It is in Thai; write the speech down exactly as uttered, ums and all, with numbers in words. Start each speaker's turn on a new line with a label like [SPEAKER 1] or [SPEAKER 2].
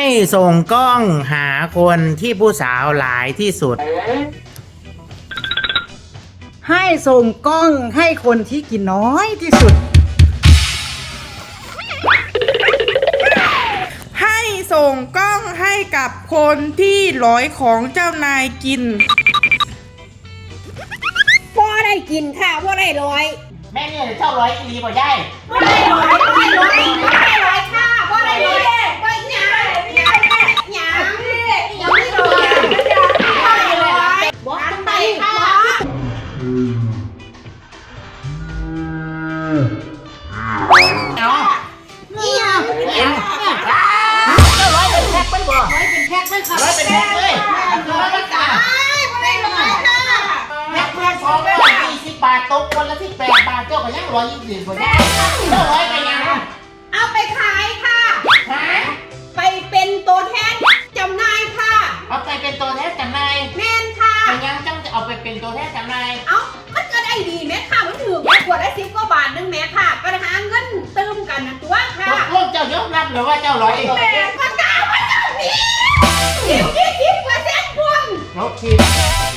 [SPEAKER 1] ส่งกล้องหาคนที่ผู้สาวหลายที่สุด
[SPEAKER 2] ให้ส่งกล้องให้คนที่กินน้อยที่สุด
[SPEAKER 3] ให้ส่งกล้องให้กับคนที่ร้อยของเจ้านายกิน
[SPEAKER 4] พ่อได้กินค่ะพ่อได้ร้อย
[SPEAKER 1] แม่เนี่ยเจ้าร้อยอีรีบ่ได้
[SPEAKER 4] พ่อได้ร้อยพ่อได้ร้อยพ่อได้ร้อยค่ะพ่อได้ร้อยพ่อหยาหยาหยายังไม่ร้อยพ่อได้ร้อยบอกทำไมค่ะ
[SPEAKER 1] เอา
[SPEAKER 4] นี่อ่ะ
[SPEAKER 1] เจ้าร้อยเป็นแพ็คเป็นบ่ร้อยเป็นแพ็คเป็นค่ะร้อยเป็นแพ็คเลยร้อยเป็นตา
[SPEAKER 4] พ่อได้ร้อยค่ะ
[SPEAKER 1] แพ็คเพื่อนสองร้อยยี่สิบบาทตกคนละที่แปดบาทเจ้าก็ยังร้อยยี่สิบบ่ได้เจ้าร้อยไปยัง
[SPEAKER 4] เอาไปขายค่ะ
[SPEAKER 1] ฮะ
[SPEAKER 4] ไปเป็นตัวแทนจำหน่ายค่ะ
[SPEAKER 1] เอาไปเป็นตัวแทนจำหน่าย
[SPEAKER 4] แม่นค่ะ
[SPEAKER 1] ไปยังจังจะเอาไปเป็นตัวแทนจำหน่าย
[SPEAKER 4] เอ้ามันก็ได้ดีแม่ค่ะมันถือแค่ขวดละสิบกว่าบาทนึงแม่ค่ะก็หาเงินเติมกันนะตัวค่ะ
[SPEAKER 1] ตกลงเจ้ายอมรับหรือว่าเจ้าร้อย
[SPEAKER 4] แม่มันกล้ามันเจ้าหนีสิบยี่สิบเปอร์เซ็นต์คุณ
[SPEAKER 1] ลบคิด